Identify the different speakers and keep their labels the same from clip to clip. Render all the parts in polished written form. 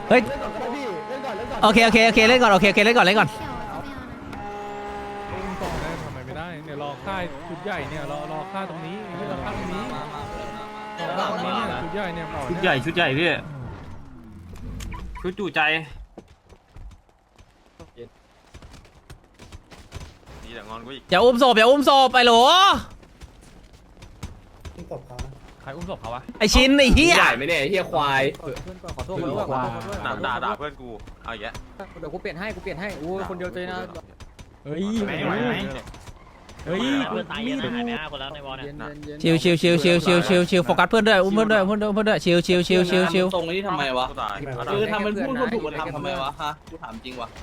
Speaker 1: เฮ้ยโอเคเล่นก่อนโอเคเล่นก่อน
Speaker 2: เขียวจะไม่เอานะ
Speaker 3: อุ้มต่อได้ทำไมไม่ได้เนี่ยรอค่ายชุดใหญ่เนี่ยรอค่ายตรงนี้รอค่ายตรงนี้รอค่ายตรงนี้เนี่ยชุดใหญ่เนี่ยต่อ
Speaker 4: ชุดใหญ่พี่ชุดจู่ใจ
Speaker 5: นี่แต่งอนกูอีก
Speaker 1: อย่าอุ้มศพไอ้โหล
Speaker 3: ใครอุ้มศพเขาวะ
Speaker 1: ไอชินไอเฮีย
Speaker 6: ใหญ่ไหมเนี่ยเฮียควาย
Speaker 7: ขอโทษด้วยขอโทษด้วย
Speaker 5: ด่าเพื่อนกูเอาอย่างเงี้ย
Speaker 7: เดี๋ยวกูเปลี่ยนให้โอ้ยคนเดียวเจนะ
Speaker 3: เฮ้ย
Speaker 5: ไหวไหม
Speaker 3: เฮ้ย
Speaker 8: เพื่อนตายเยอะนะหายไป5 คนแล้วในวอลเนี่ย
Speaker 1: ชิวโฟกัสเพื่อนด้วยอุ้มเพื่อนด้วยชิว
Speaker 6: ตรงนี้ทำไมวะ
Speaker 5: กูตาย
Speaker 6: คือทำเป็นพูดคนถูกมาทำไมวะฮะกูถามจริงวะ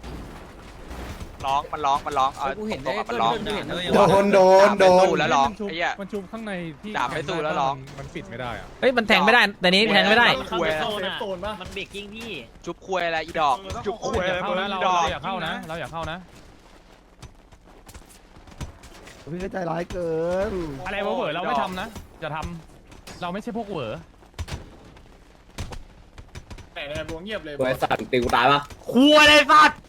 Speaker 9: มันร้องเอา
Speaker 7: กูเห็นได้
Speaker 9: มันร้อง
Speaker 7: กูเห็น
Speaker 9: โดนแล้วร้องไอ้เหี้ย
Speaker 3: มันชุบข้างในที่
Speaker 9: ด่าไม่สู้แล้วร้อง
Speaker 3: มันปิดไม่ได้อะ
Speaker 1: เฮ้ยมันแทงไม่ได้แต่นี้แทงไม่ได้
Speaker 8: เข้าไปโซนอ่ะมันเบรกกิ้งพี่
Speaker 9: จุบคุยอะไรอีดอกจุบคุย
Speaker 3: อ
Speaker 9: อะไร
Speaker 3: ย่าเข้านะเรา
Speaker 9: ดอก
Speaker 3: อย่าเข้านะเราอย่าเข้านะ
Speaker 10: พี่ใจร้ายเกิน
Speaker 3: อะไรเวอร์เราไม่ทำนะอย่าทำเราไม่ใช่พวกเวอร์
Speaker 6: บริษัทตีกูตายปะ
Speaker 1: ครัวเลยสัตว์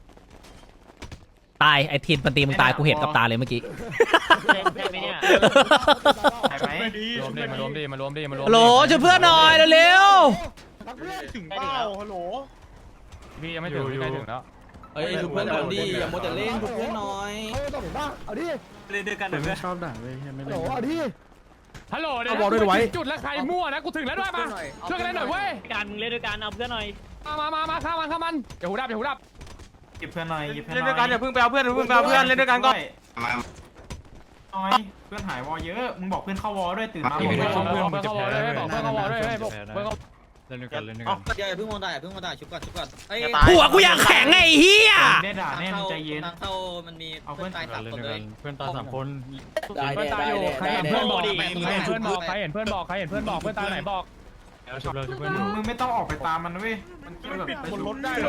Speaker 1: ตายไอทินมันตีมึงตายกูเห็นกับตาเลยเมื่อกี้
Speaker 8: ใช่ไหมเนี่ย
Speaker 3: รวมดิมารวมดิมารวมดิ
Speaker 1: โหลช่วยเพื่อนหน่อยเร็ว
Speaker 8: ถึงเปล่าฮัลโหล
Speaker 3: พี่ยังไม่ถึงพี่ใกล้ถึงแล้ว
Speaker 6: เฮ้ยชุบเพื่อนก่อนดิอย่ามัวแต่เล่นชุบเพื่อนหน่อย
Speaker 10: เขาต้องเห็นป่ะเอาดิ
Speaker 4: เล่นด้วยกันเดี๋ยว
Speaker 10: โหเอาดิ
Speaker 3: ฮัลโหลเดี๋ยวจุดแล้วใครมั่วนะกูถึงแล้วด้วยมาช่วยกันเล่นหน่อยเว้ย
Speaker 8: การมึงเล่นด้วยกันเอาเพื่อนหน่อย
Speaker 3: มาข้ามันอย่าหูดับ
Speaker 4: หยิบเพื่อนหน่อย
Speaker 5: เล่นด้วยกันอย่าเพิ่งไปเอาเพื่อนเล่นด้วยกันก่อน
Speaker 4: น้อยเพื่อนหายวอเยอะมึงบอกเพื่อนเข้าวอด้วยตื่นมา
Speaker 3: เพื่อนเข้าวอลด้วยบอกเพื่อนเข้าวอลด้วยเพื่อน
Speaker 4: เล่นด้วยกัน
Speaker 6: อย่าเพิ่งมองตายชุบก่อนเฮ้ย
Speaker 1: ๆหัวกูอยากแข็งไอ้เฮีย
Speaker 4: ได้ด่าแน่ใจเย็น
Speaker 6: ทางเข้ามันมีเพื่อนตาย3 คนเลย
Speaker 4: เพื่อนตา3 คน
Speaker 3: เพื่อนตายอยู่ใครเห็นเพื่อนบอกใครเห็นเพื่อนบอกเพื่อนตายไหนบอก
Speaker 4: มึงไม่ต้องออกไปตามมันเว้ยมันแบบไปชุบได้เลย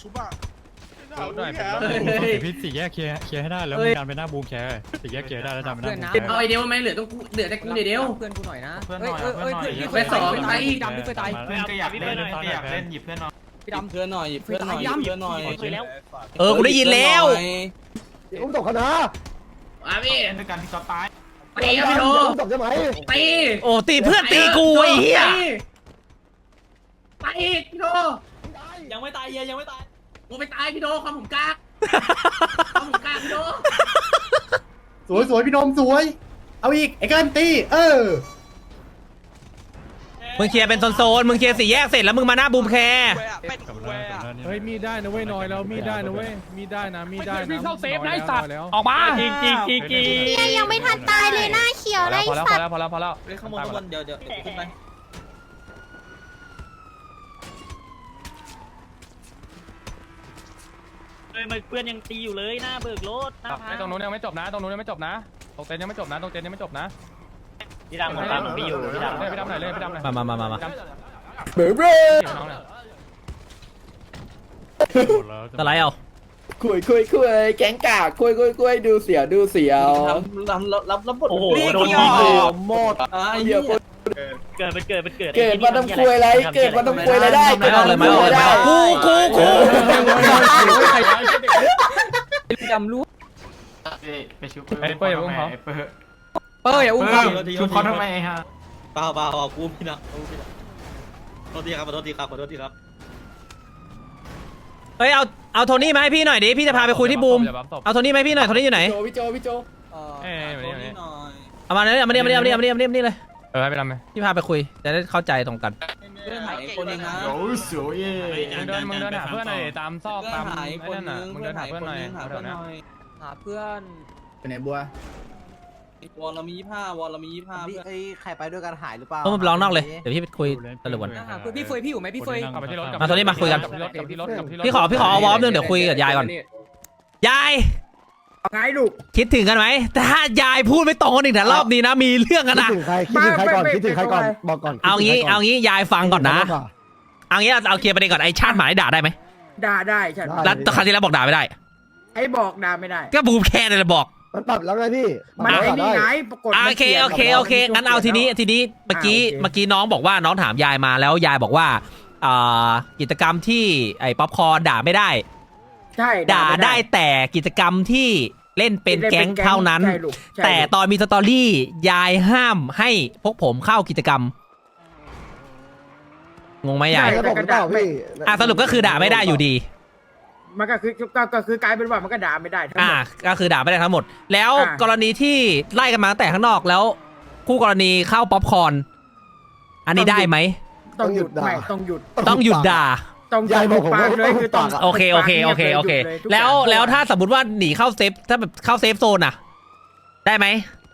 Speaker 3: พี่สี่แยกเคลียร์ให้ได้แล้วมีการไปหน้าบูมแคร์สี่แยกเคลียร์ได้แล้วจำไม่ได้
Speaker 7: เอาไอเดียวไหมเหลือแต่กูเดียวเพื่อนกูหน่อยนะ
Speaker 4: เพื่อนหน่อยเพื่อนหน่อย
Speaker 7: ไปสองตายอีกดำพี่เคยตาย
Speaker 4: เพื่อนก็อยากเล่นหยิบเพื่อนหน่อย
Speaker 7: พี่ดำ
Speaker 6: เพื่อนหน่อยเพื่อนหน่อยเพื่อนหน่อย
Speaker 8: คุยแล้ว
Speaker 1: กูได้ยินแล้ว
Speaker 10: อุ้มตกกันนะ
Speaker 7: พี่
Speaker 4: เล่นด้วยกันที่ก็ตาย
Speaker 7: ตีพี่โด
Speaker 10: อุ้มตกใช่ไหม
Speaker 7: ตี
Speaker 1: โอ้ตีเพื่อนตีกูไอ้เฮีย
Speaker 7: ไปอีกพี่โด
Speaker 6: ยังไม่ตายเฮียยังไม่ตาย
Speaker 7: กูไปตายพี่โดความผมกล้าพี่โด
Speaker 10: สวยพี่นมสวย เอาอีกไอ้กันตี
Speaker 1: มึงเคลียร์เป็นโซนมึงเคลียร์สี่แยกเสร็จแล้วมึงมาหน้าบูมแคร์
Speaker 9: เป็นคุยอ่ะ
Speaker 3: เฮ้ยมีได้นะเว้ยน้อยแล้วมีได้นะเว้ยมีได้นะพี่เข้าเซฟได้สัตว์ออกมา
Speaker 8: จริง
Speaker 2: เนี่ยยังไม่ทันตายเลยหน้าเขียวได้สัตว์
Speaker 3: พอแล้ว
Speaker 6: เฮ้ยข้างบนเดี๋ยวขึ้นไป
Speaker 8: เพื่อนยังตีอยู่เลยหน้าเบิกรถหน้าพา
Speaker 3: ตรงนู้นยังไม่จบนะตรงเต็นยังไม่จบนะ
Speaker 8: พี่ดำผมตามพี่อยู่พี่ดำ
Speaker 3: พี่ดำหน่อยเลยพี่ดำหน่อย
Speaker 1: มา
Speaker 10: เบรเบร
Speaker 3: น้องเนี่ย
Speaker 1: สไลด์เอา
Speaker 10: คุยแก๊งกากคุยดูเสียว
Speaker 6: รับบท
Speaker 8: โอ้โหโดน
Speaker 10: หมด
Speaker 6: เฮีย
Speaker 8: เกิด
Speaker 10: เกิดมาต้องคุยอะไรเกิดมาต้องคุยอะไรได้
Speaker 1: ไม่ออกกู
Speaker 7: พี่ดำรู้
Speaker 4: ไปชุบ
Speaker 3: ไอ้เป้ยอย่าอุ้มเขา
Speaker 7: อย่าอุ้ม
Speaker 4: ชุบเขาทำไมฮะ
Speaker 6: เปล่ากูพี่นะขอโทษทีครับ
Speaker 1: เฮ้ยเอาโทนี่มาให้พี่หน่อยดิพี่จะพาไปคุยที่บูมเอาโทนี่มาให้พี่หน่อยโทนี่อยู่ไหน
Speaker 10: พี่โจ
Speaker 1: เอามาเลยเอามานี่เลย
Speaker 3: ให้ไปทำไหม
Speaker 1: พี่พาไปคุยจะได้เข้าใจตรงกัน
Speaker 6: เพื่อนหายคนนึงนะ
Speaker 4: โอ้สวย
Speaker 3: มึงเดินหาเพื่อนหน่อยตามซอก
Speaker 6: เพื่อน
Speaker 3: ตาม
Speaker 6: หาย
Speaker 3: ไอ้
Speaker 6: คน
Speaker 3: นั่น
Speaker 6: นึ
Speaker 3: น่ะ
Speaker 6: ง
Speaker 3: มึงเดินหาเพื่อนหน่อย
Speaker 6: หาเพื่อนหน่อย
Speaker 7: หาเพื่อน
Speaker 10: ไปไหนบัว
Speaker 6: วอลเรามี25วอลเรามี25เพื่อน
Speaker 10: ไอ้ใครไปด้วยกันหายหรือเปล่า
Speaker 1: ต้องร้องนอกเลยเดี๋ยวพี่ไปคุยตะลุกก่อน
Speaker 7: หาเพื่อนพี่เฟยพี่อยู่ไหมพี่เฟย
Speaker 3: กลับไปที่รถ
Speaker 1: มาโทนี่มาคุยกัน
Speaker 3: กับที่รถ
Speaker 1: พี่ขอเอาวอร์มนึงเดี๋ยวคุยกับยายก่อนยาย
Speaker 7: ไงลูก
Speaker 1: คิดถึงกันไหมแต่ถ้ายายพูดไม่ตรงกันอีกแต่รอบนี้นะมีเรื่องกัน
Speaker 10: คิด
Speaker 1: นะ
Speaker 10: ถึงใครก่อนบอกก่อน
Speaker 1: เอางี้ยายฟังก่อนนะเอางี้เอาเคลียร์ประเด็นก่อนไอชาติหมาได้ด่าได้ไหม
Speaker 7: ด่าได้ใช่
Speaker 1: แล้วครั้งที่แล้วบอกด่าไม่ได้
Speaker 7: ไอ้บอกด่าไม่ได้
Speaker 1: ก็บูมแค่เลยบอก
Speaker 10: มันปรับแล้วไงพี่
Speaker 7: มันไอ้นี่ไงปรากฏ
Speaker 1: โอเคงั้นเอาทีนี้เมื่อกี้น้องบอกว่าน้องถามยายมาแล้วยายบอกว่ากิจกรรมที่ไอ้ป๊อปคอร์นด่าไม่ได้
Speaker 11: ใช่
Speaker 1: ด่าได้แต่กิจกรรมที่เล่นเป็นแก๊งเท่านั้น
Speaker 11: ใช่ลูกใช่
Speaker 1: แต่ตอนมีสตอรี่ยายห้ามให้พวกผมเข้ากิจกรรมงงไหมยาย
Speaker 11: ใช่แต่ก็ด่าไม่
Speaker 1: สรุปก็คือด่าไม่ได้อยู่ดี
Speaker 11: มันก็คือกลายเป็นว่ามันก็ด่าไม่ได้ทั้งหมด
Speaker 1: ก็คือด่าไม่ได้ทั้งหมด แล้ว
Speaker 11: อ่ะ
Speaker 1: กรณีที่ไล่กันมาตั้งแต่ข้างนอกแล้วคู่กรณีเข้าป๊อปคอร์นอันนี้ได้ไหม
Speaker 11: ต้องหยุดไม่ต้องหยุด
Speaker 1: ต้องหยุดด่า
Speaker 11: ต้องหยุดปากเลยคือต้อง
Speaker 1: โอเคแล้วถ้าสมมติว่าหนีเข้าเซฟถ้าแบบเข้าเซฟโซนอะได้ไหม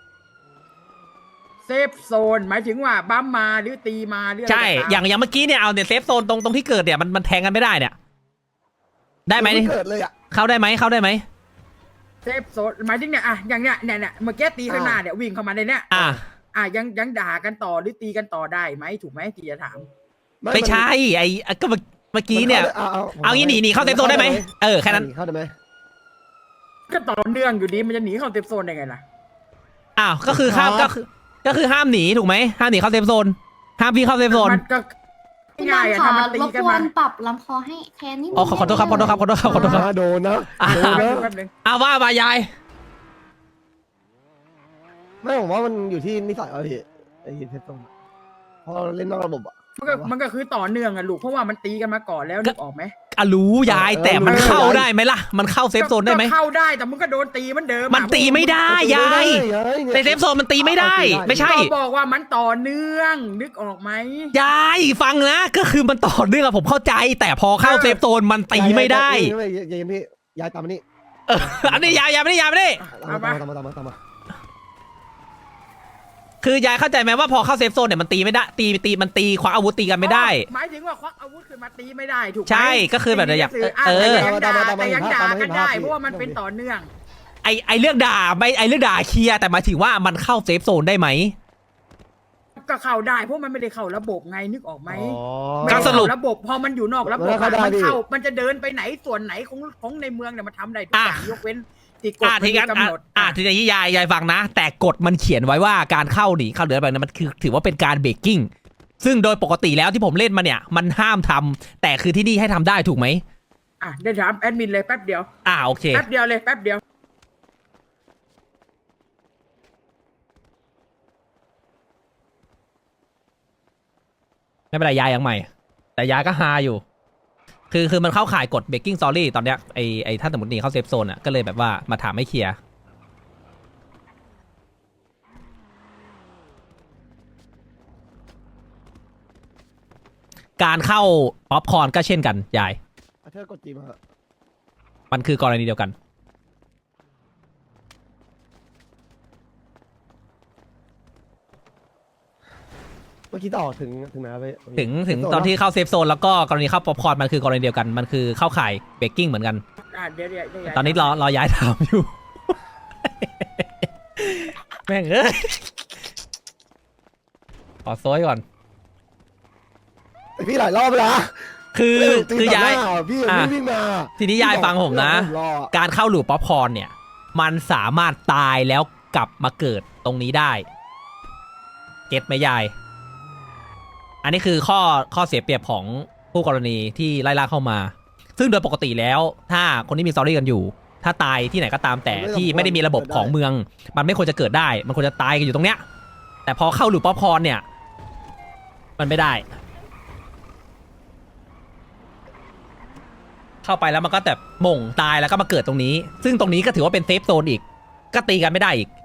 Speaker 11: เซฟโซนหมายถึงว่าบัมมาหรือตีมาหรืออะไร
Speaker 1: ใช่
Speaker 11: ก็ตาม
Speaker 1: อย่างเมื่อกี้เนี่ยเอาเนี่ยเซฟโซนตรงที่เกิดเนี่ยมันแทงกันไม่ได้เนี่ยได้ไหม
Speaker 10: เกิดเลยอ่ะ
Speaker 1: เข้าได้ไหม
Speaker 11: เซฟโซนหมายถึงเนี่ยอย่างเนี้ยเมื่อกี้ตีข้างหน้าเนี่ยวิ่งเข้ามาในเนี้ยยังด่ากันต่อหรือตีกันต่อได้ไหมถูกไหมที่จะถาม
Speaker 1: ไม่ใช่ก็เมื่อกี้เนี่ยเอางี้หนีเข้าเซฟโซนได้ไหมแค่นั้น
Speaker 10: เข้าได้ไหม
Speaker 11: ก็ต่อเนื่องอยู่ดีมันจะหนีเข้าเซฟโซนได้ไงล่ะ
Speaker 1: ก็คือห้ามก็คือห้ามหนีถูกไหมห้ามหนีเข้าเซฟโซนห้ามพี่เข้าเซฟโซน
Speaker 11: มันก็
Speaker 2: พี่
Speaker 11: ง่าย
Speaker 2: ดำ
Speaker 11: อะ
Speaker 2: ขอ
Speaker 11: ถ้ามันตี
Speaker 2: รบ
Speaker 11: กัน
Speaker 2: กว
Speaker 11: มาน
Speaker 2: ปรับลำคอให้แค่นี้
Speaker 1: ขอโทษครับ
Speaker 10: โดนนะ
Speaker 11: แป๊บนึง
Speaker 1: ว่ามายาย
Speaker 10: ไม่ผมว่ามันอยู่ที่นิสัยเอาพี่ไอ้เทสตรงพอเราเล่นนอกระบบอ่ะ
Speaker 11: มันก็คือต่อเนื่องอะลูกเพราะว่ามันตีกันมาก่อนแล้วนึกออกไหม
Speaker 1: รู้ยายแต่มันเข้าได้ไหมล่ะมันเข้าเซฟโซนได้ไหม
Speaker 11: ก็เข้าได้แต่มึงก็โดนตีเหมือนเดิม
Speaker 1: มันตีไม่ได้ยายในเซฟโซนมันตีไม่ได้ไม่ใช่
Speaker 11: ก็บอกว่ามันต่อเนื่องนึกออกไหม
Speaker 1: ยายฟังนะก็คือมันต่อเนื่องอะผมเข้าใจ แต่พอเข้าเซฟโซนมันตีไม่ได้
Speaker 10: ยายพี่ยายตามมานี่
Speaker 1: อันนี้ยายไม่ได้
Speaker 10: ตามมา
Speaker 1: คือยายเข้าใจไหมว่าพอเข้าเซฟโซนเนี่ยมันตีไม่ได้มันตีควักอาวุธตีกันไม่ได้
Speaker 11: หมายถึงว่าควักอาวุธขึ้นมาตีไม่ได้ถูกไหม
Speaker 1: ใช่ก็คือแบบอยาก
Speaker 11: แต่ยังด่ากันได้เพราะว่ามันเป็นต่อเนื่อง
Speaker 1: ไอเรื่องด่าไม่ไอเรื่องด่าเคลียร์แต่หมายถึงว่ามันเข้าเซฟโซนได้ไหม
Speaker 11: ก็เข้าได้เพราะมันไม่ได้เข้าระบบไงนึกออกไหม
Speaker 1: ก็สรุป
Speaker 11: ระบบพอมันอยู่นอกระบบมันจะเดินไปไหนส่วนไหนของในเมืองเนี่ยมันทำได้ทุกอย่างยกเว้นที่กฎมันกำหนด
Speaker 1: ทีนี้ยายฟังนะ แต่กฎมันเขียนไว้ว่าการเข้าหนีเข้าเดือนแบบนั้นมันคือถือว่าเป็นการเบรกกิ้งซึ่งโดยปกติแล้วที่ผมเล่นมาเนี่ยมันห้ามทำแต่คือที่นี่ให้ทำได้ถูกไหม
Speaker 11: ได้ถามแอดมินเลยแป๊บเดียว
Speaker 1: โอเค
Speaker 11: แป๊บเดียวเลยแป๊บเดียว
Speaker 1: ไม่เป็นไรยายยังใหม่แต่ยายก็ฮาอยู่คือมันเข้าข่ายกฎเบรกกิ้ง sorry ตอนเนี้ยไอถ้าสมมติหนีเข้าเซฟโซนอ่ะก็เลยแบบว่ามาถามให้เคลียร์การเข้าป๊อปคอร์นก็เช่นกันยาย
Speaker 10: เธอกดจีมา
Speaker 1: มันคือกรณีเดียวกัน
Speaker 10: เมื่อกี้ต่อถึงไหนไป
Speaker 1: ถึงตอนที่เข้าเซฟโซนแล้วก็กรณีเข้าป๊อปคอร์นมันคือกรณีเดียวกันมันคือเข้าข่ายเบรกกิ้งเหมือนกัน
Speaker 11: เดี๋ยว
Speaker 1: ตอนนี้รอย้ายถามอยู่ แม่งเอ้ยขอโซยก่อน
Speaker 10: พี่หลายรอบแล้ว
Speaker 1: คือยาย
Speaker 10: พี่วิ่งมา
Speaker 1: ทีนี้ยายฟังผมนะการเข้าหลูปป๊อปคอร์นเนี่ยมันสามารถตายแล้วกลับมาเกิดตรงนี้ได้เก็ตไหมยายอันนี้คือข้อเสียเปรียบของผู้กรณีที่ไล่ล่าเข้ามาซึ่งโดยปกติแล้วถ้าคนที่มีสตอรี่กันอยู่ถ้าตายที่ไหนก็ตามแต่ที่ไม่ได้มีระบบของเมืองมันไม่ควรจะเกิดได้มันควรจะตายกันอยู่ตรงเนี้ยแต่พอเข้าหลูปป๊อปคอร์นเนี่ยมันไม่ได้เข้าไปแล้วมันก็แบบหม่งตายแล้วก็มาเกิดตรงนี้ซึ่งตรงนี้ก็ถือว่าเป็นเซฟโซนอีกก็ตีกันไม่ได้อีก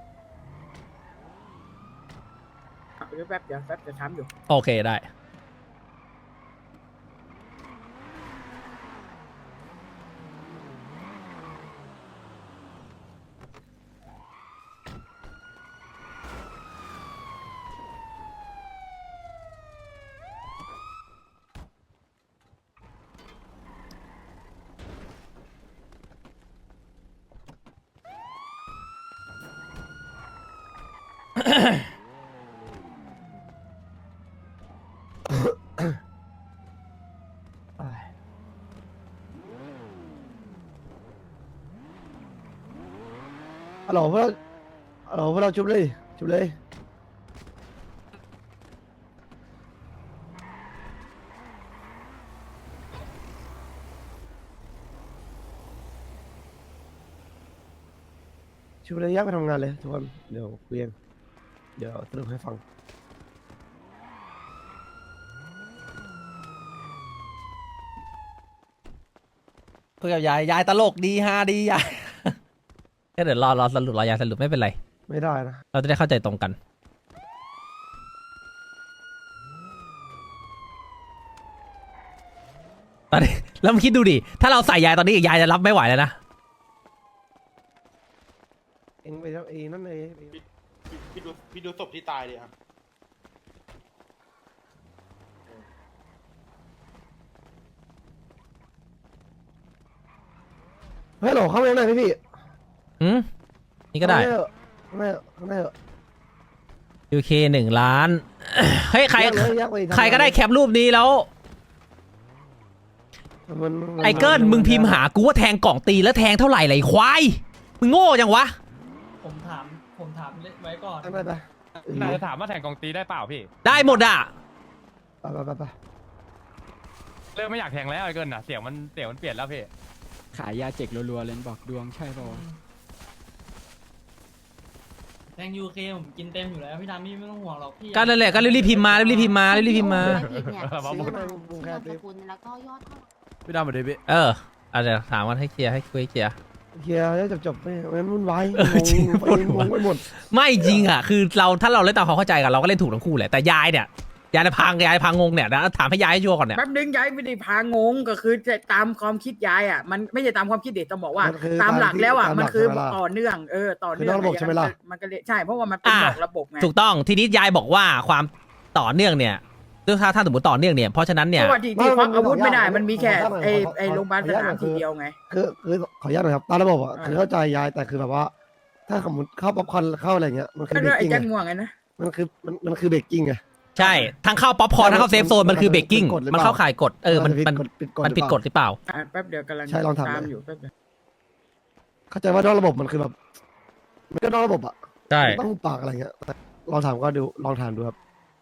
Speaker 11: แป๊บเดี๋ยวจะถามอยู่
Speaker 1: โอเคได้
Speaker 10: ฮัลโหลพวกเราชุบเลยชูเลยแยกไปทำงานเลยทุกคนเดี๋ยวคุยกันเดี๋ยวสรุปให้ฟัง
Speaker 1: คุยกับยายตลกดีฮาดียาย แค่เดี๋ยวรอสรุปรอยายสรุปไม่เป็นไร
Speaker 10: ไม่ได้นะ
Speaker 1: เราจะได้เข้าใจตรงกันตอนนี้แล้วมึงคิดดูดิถ้าเราใส่ยายตอนนี้ยายจะรับไม่ไหวแล้วนะ
Speaker 10: เองไปแล้วเองนั่นเลย
Speaker 6: พี่ดูศพที่ตายดิอ่ะ
Speaker 10: เฮ้ยโหลเข้าไปข้างในพี่
Speaker 1: อืมนี่ก็ได้
Speaker 10: ข้างในข้างใน
Speaker 1: UK 1 ล้าน เฮ้ยใคร
Speaker 10: แยกเลยแยกไปทำงาน
Speaker 1: ใครก็ได้แคปรูปนี้แล้ว
Speaker 10: มัน
Speaker 1: ไอเกิลมึงพิมพ์หากูว่าแทงกล่องตีแล้วแทงเท่าไหร่ไรควายมึงโง่จังวะ
Speaker 8: ผมถามไว้ก่อน
Speaker 10: ข้างในไป
Speaker 3: นายจะถามว่าแทงกองตีได้เปล่าพี่
Speaker 1: ได้หมดอ่ะ
Speaker 10: ไป
Speaker 3: เริ่มไม่อยากแทงแล้วไอ้เกินอ่ะเสียงมันเปลี่ยนแล้วพี่
Speaker 8: ขายยาเจ็กรัวๆเลยบอกดวงใช่ป่ะแทง UK ผมกินเต็มอยู่แล้วพี่ดามี่ไม่ต้องห่วงหรอกพี่
Speaker 1: ก็นั่นแหละก็รีบๆพิมพ์มารีบๆพิมพ์มารีบๆพิมพ์มา
Speaker 10: ซื้อมาบุงแค่
Speaker 2: สกุลแล้วก็ยอดเท่าไหร่
Speaker 3: พี่ดำมาดิพี่
Speaker 1: อาจจะถามกันให้เคลียร์ให้คุยให้เคลียร์
Speaker 10: เคลียร์แล้วจบไม่งั้นวุ่นวายงงไปหมด
Speaker 1: ไม่จริงอ่ะคือเราถ้าเราเล่นตามความเข้าใจกันเราก็เล่นถูกทั้งคู่แหละแต่ยายเนี่ยยายพังงงเนี่ยนะถามให้ยายให้ชัวร์ก่อนเนี่ย
Speaker 11: แป๊บนึงยายไม่ได้พางงก็คือจะตามความคิดยายอ่ะมันไม่ใช่ตามความคิดเด็กต้องบอกว่า ตามหลักแล้วอ่ะมันคือต่อเนื่องต่อเนื่องมันก็เลยใช่เพราะว่ามันเป็นบอกระบบไง
Speaker 1: ถูกต้องทีนี้ยายบอกว่าความต่อเนื่องเนี่ยถ้าสมมติต่อเนื่องเนี่ยเพราะฉะนั้นเนี่ย
Speaker 11: เพราะว่าที่ควักอาวุธไม่ได้มันมีแค่ไอ้โรงพยาบาลสนามทีเดียวไง
Speaker 10: คือขออนุญาตหน่อยครับตามระบบอ่ะคือเข้าใจยายแต่คือแบบว่า ถ้าสมมติเข้าป๊อปคอร์นเข้าอะไรเงี้ยมันคือ
Speaker 11: ก็
Speaker 10: เบร
Speaker 11: ด้วย
Speaker 10: ก
Speaker 11: ไอ้
Speaker 10: กิ้ง
Speaker 11: แจ็คง่วงไงนะ
Speaker 10: มันคือเบรกกิ้งไง
Speaker 1: ใช่ทั้งเข้าป๊อปคอร์นทั้งเข้าเซฟโซนมันคือเบรกกิ้งมันเข้าข่ายกฎมันผิดกฎหรือเปล่า
Speaker 11: แป๊บเดียวกำลัง
Speaker 10: ใช่ลองทำ
Speaker 11: ตามอยู่แป๊บเดียว
Speaker 10: เข้าใจว่านอกระบบมันคือแบบมันก็นอกระบบอ่ะ
Speaker 1: ใช่
Speaker 10: ต้องปากอะไรเงี้ยลองถามก็ดูลองถามดูครับ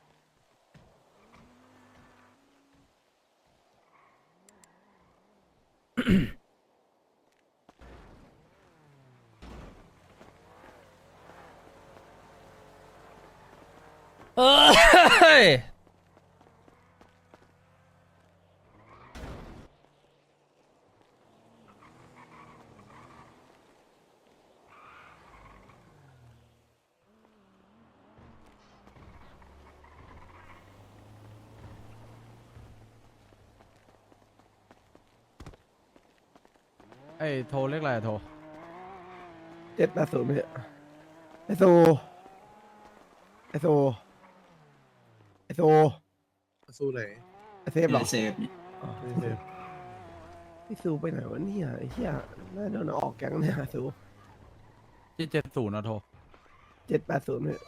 Speaker 1: เฮ้ย
Speaker 3: ไอ้โทรเรียกอะไรโทร
Speaker 10: 780เนี่ยไอโซสู้ไหนไอเซฟหรอเซฟพี่ซูไปไหนวะเนี่ยไอ้เหี้ยน่าโดนออกแก๊งเนี่ยซู
Speaker 3: ที่70นะโทร
Speaker 10: 780เนี่ย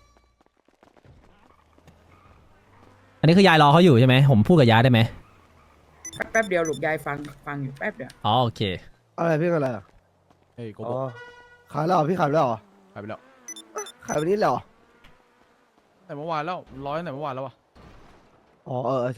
Speaker 1: อันนี้คือยายรอเขาอยู่ใช่ไหมผมพูดกับยายได้ไหม
Speaker 11: แป๊บเดียวลูกยายฟังอยู่แป๊บเดียว
Speaker 1: อ๋อโอเค
Speaker 10: อะไรพี่อะไรอ่ะ
Speaker 3: เฮ้ยโก
Speaker 10: อ๋
Speaker 3: โบ
Speaker 10: อขายแล้วเหรอพี่ขายไปแล้วเหรอ
Speaker 3: หายไปแล้ว
Speaker 10: ขายวันนี้แล้วเหรอ
Speaker 3: แต่เมื่อวานแล้วร้อยแต่เมื่อวานแล้ววะ
Speaker 10: อ๋อใช่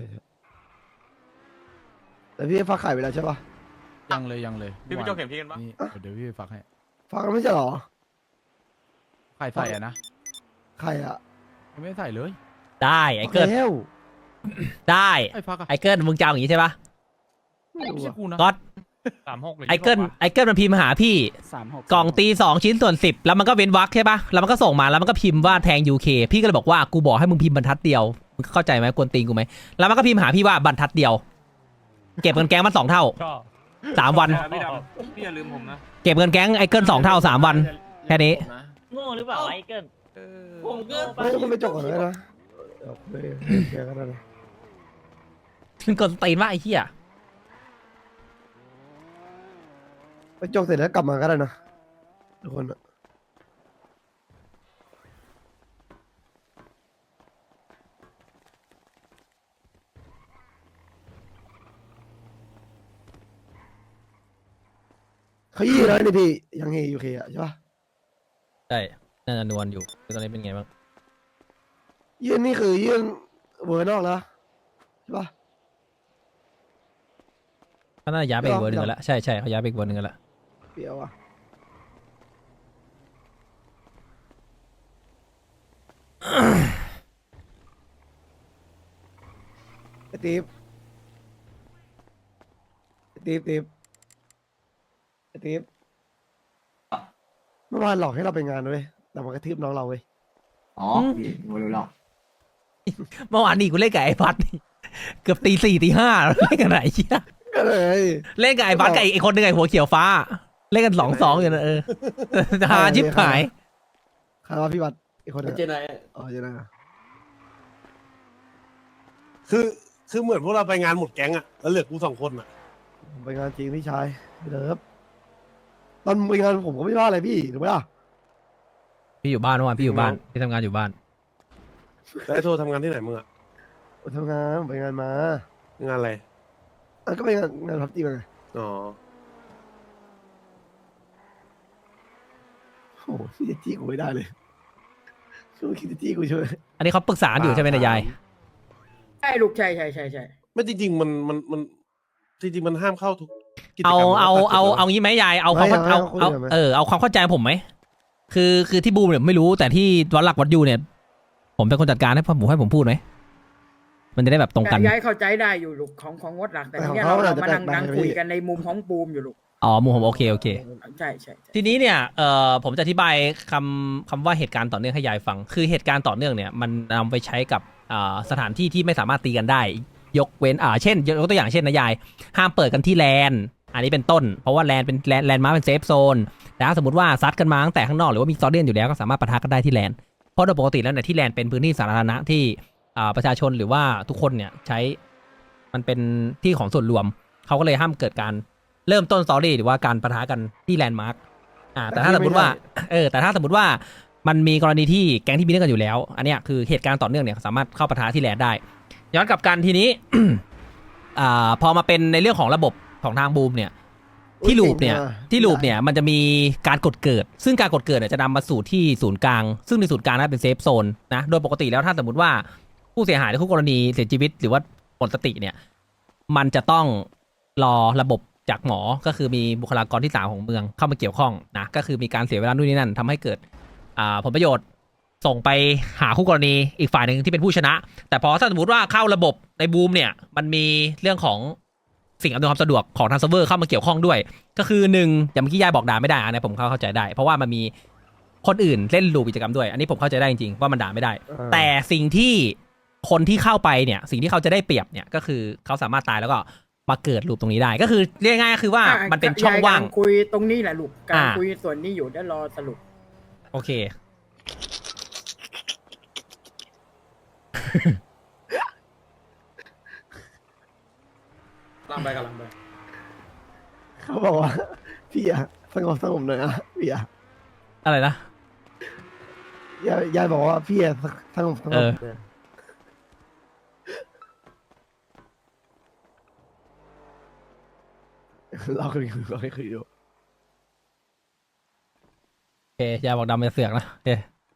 Speaker 10: แต่พี่ฟักขายไปแล้วใช่ปะ
Speaker 3: ยังเลย
Speaker 5: พี่โจเข็มที่กันปะ
Speaker 3: นี่เดี๋ยวพี่ฝากให้
Speaker 10: ฟักแล้วไม่ใช่เหรอ
Speaker 3: ใครใส่อะนะ
Speaker 10: ใครอ่ะ
Speaker 3: ยังไม่ได้ใส่เลย
Speaker 1: ได้ไอ้เกิล
Speaker 10: แล้ว
Speaker 1: ได้
Speaker 3: ไอ้ฟักอะ
Speaker 1: ไอ้เกิลมึงจะเอาอย่างนี้ใช่ปะ
Speaker 10: ไม่รู้
Speaker 3: ไม่ใช่
Speaker 10: อะ
Speaker 3: กูนะ
Speaker 1: ก็
Speaker 3: 36เลย
Speaker 1: ไอ้เกิลมันพิมพ์หาพี่
Speaker 8: 36
Speaker 1: กล่องตี2 ชิ้นส่วน 10 แล้วมันก็เว้นวรรคใช่ปะแล้วมันก็ส่งมาแล้วมันก็พิมพ์ว่าแทง UK พี่ก็เลยบอกว่ากูบอกให้มึงพิมพ์บรรทัดเดียวมึงเข้าใจไหมกวนตีนกูไหมแล้วมันก็พิมพ์หาพี่ว่าบรรทัดเดียว เก็บเงินแก๊งมัน2 เท่า
Speaker 3: ก็
Speaker 1: 3 วัน
Speaker 5: พี่ดำพี่อย่าลืมผมนะ
Speaker 1: เก็บเงินแก๊งไอ้เกิล2 เท่า 3 วันแค่นี้
Speaker 8: โง่หรือเปล่าไอ้เกิน
Speaker 7: ผมก็
Speaker 10: ไม่ต้องไปจบก่อนเลยนะเดี๋ยวคุยเคลียร์กันนะ
Speaker 1: มึงกวนตีนว่าไอ้เหี้ย
Speaker 10: ไปจบเสร็จแล้วกลับมาก็ได้นะทุกคนอะเขายี่แล้วนี่พี่ยังเฮยูเคอะใช่ปะ
Speaker 1: ใช่น่าจะนวลอยู่ตอนนี้เป็นไงบ้าง
Speaker 10: ยื่นนี่คือยื่นเวอร์นอกแล้วใช่ปะ
Speaker 1: เขาน่าจะย้ายไปอีกเวอร์หนึงกันแล้วใช่เขาย้ายไปอีกเวอร์หนึงกันแล้ว
Speaker 10: เปรี้ยวอะไอ้ติ๊บไอ้ติ๊บติ๊บไอ้ติ๊บเมื่อวานหลอกให้เราไปงานด้วยแต่มันกระทืบน้องเราเว้ย
Speaker 4: อ๋อไม่รู้หรอก
Speaker 1: เมื่อวานนี้กูเล่นกับไอ้พัดนี่เกือบตี 4ตี 5เล่นกันไหนเชี่ย
Speaker 10: ก็เลย
Speaker 1: เล่นกับไอ้พัดกับไอ้คนหนึ่งไอ้หัวเขียวฟ้า เล่นกัน2-2อยู่นะหาชิบหาย
Speaker 10: ใครว่าพี่บัตรอีกคนหนึง
Speaker 6: เจนาย
Speaker 10: อ๋อเจนาย
Speaker 3: คือเหมือนพวกเราไปงานหมดแก๊งอะแล้วเหลือกู2 คนอะ
Speaker 10: ผมไปงานจริงพี่ชายพี่เลิฟตอนไปงานผมก็ไม่ว่าอะไรพี่ถูกไหมล่ะ
Speaker 1: พี่อยู่บ้านเมื่อวานพี่อยู่บ้านพี่ทำงานอยู่บ้าน
Speaker 3: แล้วไอ้โทรทำงานที่ไหนมึงอะ
Speaker 10: ผมทำงานผมไปงานมาง
Speaker 3: านอะไร
Speaker 10: ก็ไปงานพับจีมาไง
Speaker 3: อ๋อ
Speaker 10: โอ้โหพี่จะจี้กูไม่ได้เลยช่วยคิดจะจี้กูช่วย
Speaker 1: อันนี้เขาปรึกษาอยู่ใช่ไหมนายยาย
Speaker 11: ใช่ลูกใช่
Speaker 3: ไม่จริงๆมันจริงๆมันห้ามเข้าทุกกิจกร
Speaker 1: เอา
Speaker 3: รม
Speaker 1: เอางี้ไหมยายเอาความเข้าเอาความเข้าใจผมไหมคือที่บูมเนี่ยไม่รู้แต่ที่วัดหลักวัดยูเนี่ย ผมเป็นคนจัดการให้ผมพูดไหมมันจะได้แบบตรงกัน
Speaker 11: ย้ายเข้าใจได้อยู่ลูกของวัดหลักแต่ทีเนี้ยเรามานั่งคุยกันในมุมของปูมอยู่ลูก
Speaker 1: อ๋อมุมผมโอเค
Speaker 11: ใช่
Speaker 1: ทีนี้เนี่ยผมจะอธิบายคำว่าเหตุการณ์ต่อเนื่องให้ยายฟัง คือเหตุการณ์ต่อเนื่องเนี่ยมันนำไปใช้กับสถานที่ที่ไม่สามารถตีกันได้ ยกเว้นเช่นยกตัวอย่างเช่นนะยายห้ามเปิดกันที่แลนอันนี้เป็นต้นเพราะว่าแลนเป็นแลนมาเป็นเซฟโซนแต่ถ้าสมมติว่าซัดกันมาตั้งแต่ข้างนอกหรือว่ามีซอเดียนอยู่แล้วก็สามารถปะทะกันได้ที่แลนเพราะโดยปกติแล้วเนี่ยที่แลนเป็นพื้นที่สาธารณะที่ประชาชนหรือว่าทุกคนเนี่ยใช้มันเป็นที่ของส่วนรวมเขาก็เลยห้ามเกิดการเริ่มต้นสตอรี่หรือว่าการปะทะกันที่แลนด์มาร์กแต่ถ้าสมมติว่าแต่ถ้าสมมติว่ามันมีกรณีที่แก๊งที่มีเรื่องกันอยู่แล้วอันเนี้ยคือเหตุการณ์ต่อเนื่องเนี่ยสามารถเข้าปะทะที่แลนด์ได้ย้อนกลับกันทีนี้ พอมาเป็นในเรื่องของระบบของทางบูมเนี่ยที่ลูปเนี่ยมันจะมีการกดเกิดซึ่งการกดเกิดเนี่ยจะนำมาสู่ที่ศูนย์กลางซึ่งในศูนย์กลางนั้นเป็นเซฟโซนนะโดยปกติแล้วถ้าสมมติว่าผู้เสียหายหรือคู่กรณีเสียชีวิตหรือว่าหมดสติเนี่ยมันจะต้องรอระบบจากหมอก็คือมีบุคลากรที่3ของเมืองเข้ามาเกี่ยวข้องนะก็คือมีการเสียเวลานู่นนี่นั่นทำให้เกิดผลประโยชน์ส่งไปหาคู่กรณีอีกฝ่ายหนึ่งที่เป็นผู้ชนะแต่พอถ้าสมมติว่าเข้าระบบในบูมเนี่ยมันมีเรื่องของสิ่งอำนวยความสะดวกของทางเซิร์ฟเวอร์เข้ามาเกี่ยวข้องด้วยก็คือ1อย่างเมื่อกี้ยายบอกด่าไม่ได้อันนี้ผมเข้าใจได้เพราะว่ามันมีคนอื่นเล่นลูปกิจกรรมด้วยอันนี้ผมเข้าใจได้จริงๆว่ามันด่าไม่ได้แต่สิ่งที่คนที่เข้าไปเนี่ยสิ่งที่เขาจะได้เปรียบเนี่ยก็คือเขาสามารถตายแล้วก็มาเกิดลูปตรงนี้ได้ก็คือเรียกง่ายๆคือว่ามันเป็นช่องว่าง
Speaker 11: คุยตรงนี้แหละลูกการคุยส่วนนี้อยู่ได้รอสรุป
Speaker 1: โอเค
Speaker 6: กำลังไป
Speaker 10: เขาบอกว่าพี่อะสงบหน่อยนะพี่อะ
Speaker 1: อะไรนะ
Speaker 10: ยายบอกว่าพี่อะสงบเราคุยดู
Speaker 1: โอเคยายบอกดำเป็นเสือกนะโอเค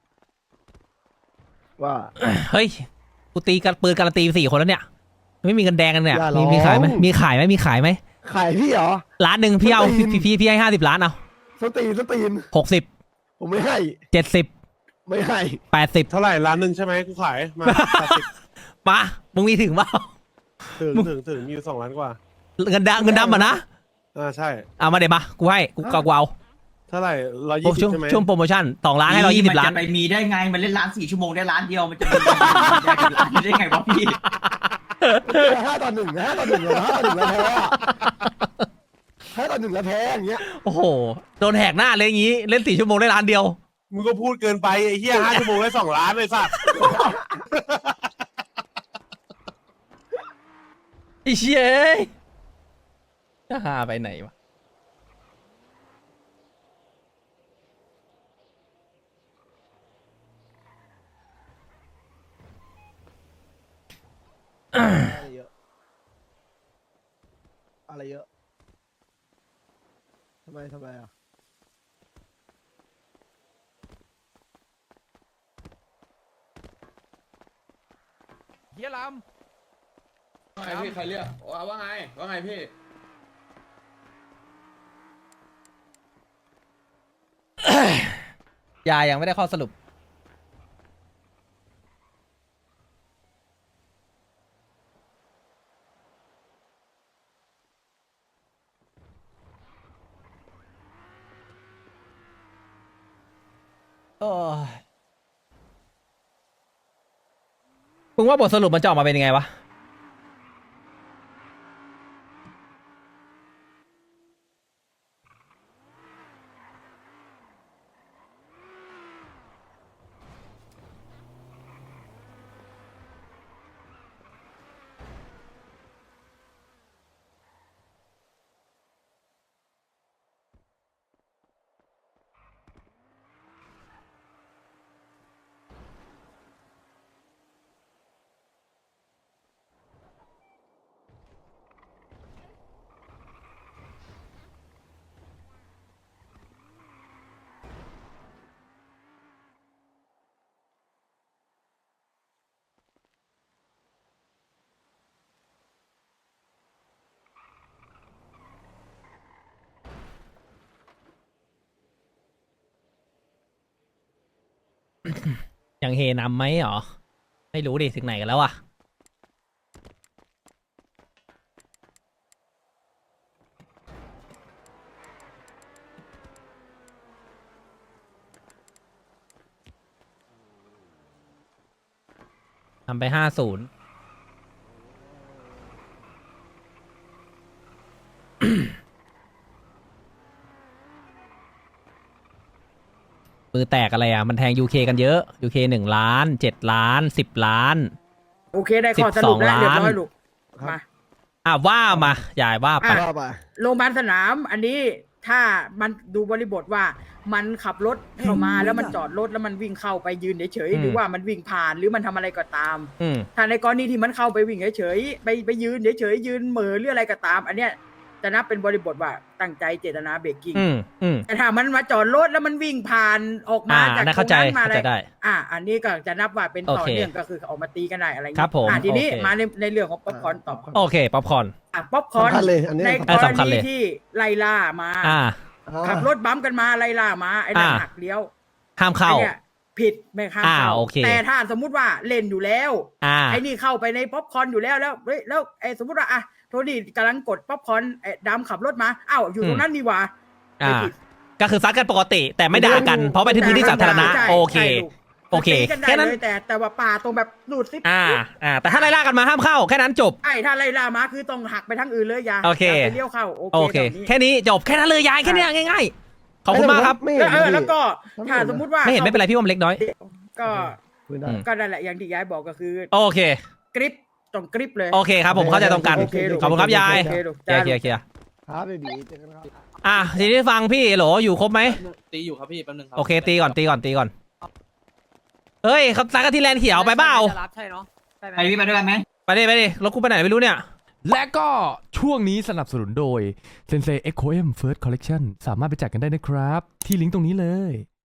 Speaker 10: ว่า
Speaker 1: เฮ้ยกูตีกันปืนการันตี4 คนแล้วเนี่ยไม่มีเงินแดงกันเนี่ยมีขายไหมมีขายไหมขาย
Speaker 10: พี่เหรอ
Speaker 1: 1,000,000พี่เอาพี่ให้50 ล้านเอา
Speaker 10: สตีน
Speaker 1: 60
Speaker 10: ผมไม่ให้
Speaker 1: 70
Speaker 10: ไม่ให้
Speaker 1: 80
Speaker 3: เท่าไหร่1,000,000ใช่ไหมกูขายมา
Speaker 1: มามึงมีถึงเปล่า
Speaker 3: ถึงมีอยู่2 ล้านกว่า
Speaker 1: เงินดำอ่ะนะ
Speaker 3: ใช่
Speaker 1: มาเดี๋ยวมากูให้กูเอา
Speaker 3: เท่าไหร่120ใช่ไหม
Speaker 1: ช่วงโปรโมชั่น2 ล้านให้120 ล้าน
Speaker 8: ไปมีได้ไงมันเล่นร้าน4 ชั่วโมงได้ล้านเดียวมันจะมีล้านได้ไงวะพี่
Speaker 10: 5-1แล้วแพ้อย่างเงี้ย
Speaker 1: โอ้โหโดนแหกหน้าเลยอย่างงี้เล่น4 ชั่วโมงได้ล้านเดียว
Speaker 3: มึงก็พูดเกินไปไอ้เหี้ย5 ชั่วโมงได้2 ล้านเลยสัตว์
Speaker 1: ไอ้เชี่ยจะหาไปไหนวะ
Speaker 10: อะไรเยอะทำไมอ่ะ
Speaker 3: เฮียลำ
Speaker 6: ว่าไงพี่ใครเรียกว่าไงพี่
Speaker 1: ยายังไม่ได้ข้อสรุปโอ้ยมึงว่าบทสรุปมันจะออกมาเป็นยังไงวะยังเฮนำไหมหรอไม่รู้ดิถึงไหนกันแล้วอะทำไป50 มือแตกอะไรอ่ะมันแทง UK กันเยอะ UK 1 ล้าน 7 ล้าน 10 ล้าน
Speaker 11: โอเคได้ข้อสรุปแล้วเรียบร้อยลูกมา
Speaker 1: ว่ามายายว่าไป
Speaker 10: ว่าไป
Speaker 11: โรงพยาบาลสนามอันนี้ถ้ามันดูบริบทว่ามันขับรถเข้ามาแล้วมันจอดรถแล้วมันวิ่งเข้าไปยืนเฉย
Speaker 1: อืม
Speaker 11: ๆหรือว่ามันวิ่งผ่านหรือมันทำอะไรก็ตาม
Speaker 1: อืม
Speaker 11: ถ้าในกรณีที่มันเข้าไปวิ่งเฉยๆไปยืนเฉยๆยืนเหม่อหรืออะไรก็ตาม อันเนี้ยจะนับเป็นบริบทว่าตั้งใจเจตนาเบรกกิ้ง
Speaker 1: อืม
Speaker 11: แต่ถ้ามันมาจอดรถแล้วมันวิ่งผ่านออกมาจาก
Speaker 1: น่า
Speaker 11: ตร
Speaker 1: เข้าง ใจ
Speaker 11: นั้นมา
Speaker 1: เข้า
Speaker 11: อะไร
Speaker 1: ใจได้
Speaker 11: อันนี้ก็จะนับว่าเป็นต่อ
Speaker 1: โอเค
Speaker 11: เนื่องก็คือออกมาตีกันได้อะไรอย่าง
Speaker 1: ครับผม
Speaker 11: ทีนี้
Speaker 1: โอเค
Speaker 11: มาในเรื่องของป๊อปคอร์นต่อ
Speaker 1: โอเคป๊อปคอร์น
Speaker 11: ป๊อปคอร์น
Speaker 10: สำคัญเลยอันนี้
Speaker 11: ใน
Speaker 10: สำคัญ
Speaker 11: กร
Speaker 1: สำคัญเล
Speaker 11: ณี
Speaker 1: ย
Speaker 11: ที่ไล่ล่ามา ขับรถบัมป์กันมาไล่ล่ามาไอ้นั่น หักเลี้ยว
Speaker 1: ห้ามเข้า
Speaker 11: ไอ้เนี่ยผิดไม่ข้ามเข้า
Speaker 1: โอเค
Speaker 11: แต่ถ้าสมมุติว่าเล่นอยู่แล้ว ไอ้นี่เข้าไปในป๊อปคอร์นอยู่แล้วเฮ้ยแล้วไอ้สมมุติว่าโทนี่กำลังกดป๊อปคอร์นไอ้ดำขับรถมาอยู่ตรงนั้นนี่หว่าไม่ผิด
Speaker 1: ก็คือซัดกันปกติ แต่ไม่ด่ากัน เพราะไปที่พื้นที่สาธารณะ
Speaker 11: ใช่
Speaker 1: โอเค
Speaker 11: ใช่ลูก
Speaker 1: โอเค
Speaker 11: ตีกันได้
Speaker 1: แค่นั้น
Speaker 11: เลยแต่ว่าป่าตรงแบบหลุดซิป
Speaker 1: แต่ถ้าไล่ล่ากันมาห้ามเข้า แค่นั้นจบ
Speaker 11: ไอ้ถ้าไล่ล่ามาคือต้องหักไปทางอื่นเลยอย่า
Speaker 1: โอเค
Speaker 11: ย่าไปเลี้ยวเข้าโอ
Speaker 1: โอ
Speaker 11: เค
Speaker 1: เค
Speaker 11: แบบนี้
Speaker 1: แค่นี้จบ แค่นั้นเลยยายแค่เนี้ยง่ายๆ ขอบคุณมากครับ
Speaker 10: ไม่เห็น
Speaker 11: แล้วก็ถ้าสมมุติว่า
Speaker 1: ไม่เห็นไม่เป็นไรพี่ว่ามันเล็กน้อย
Speaker 11: ก็
Speaker 10: คุยได้
Speaker 11: ก็นั่นแหละอย่างที่ยายบอกก็คือ
Speaker 1: โอเค
Speaker 11: กริปต้องกริปเลย
Speaker 1: โอเคครับผมเข้าใจตรงกัน
Speaker 11: โอเคลูก
Speaker 1: ขอบคุณครับยาย
Speaker 11: โอเคลูก
Speaker 1: เคลียร์เคลียร์เคลียร์
Speaker 10: ครับเบบีเจอกันครับ
Speaker 1: ทีนี้ฟังพี่โหลอยู่ครบไหม
Speaker 6: ตีอยู่ครับพี่แป๊บนึงครับ
Speaker 1: โอเคตีก่อนเฮ้ยเขาซักกันที่แลนด์เขียวไปเปล่า
Speaker 7: จะรับใช่เนาะ
Speaker 8: ไปพี่ไปด้วยกันไหม
Speaker 1: ไปดิรถกูไปไหนไม่รู้เนี่ย
Speaker 3: และก็ช่วงนี้สนับสนุนโดย Sensei Echo M First Collection สามารถไปจัดกันได้นะครับ ที่ลิงก์ตรงนี้เลย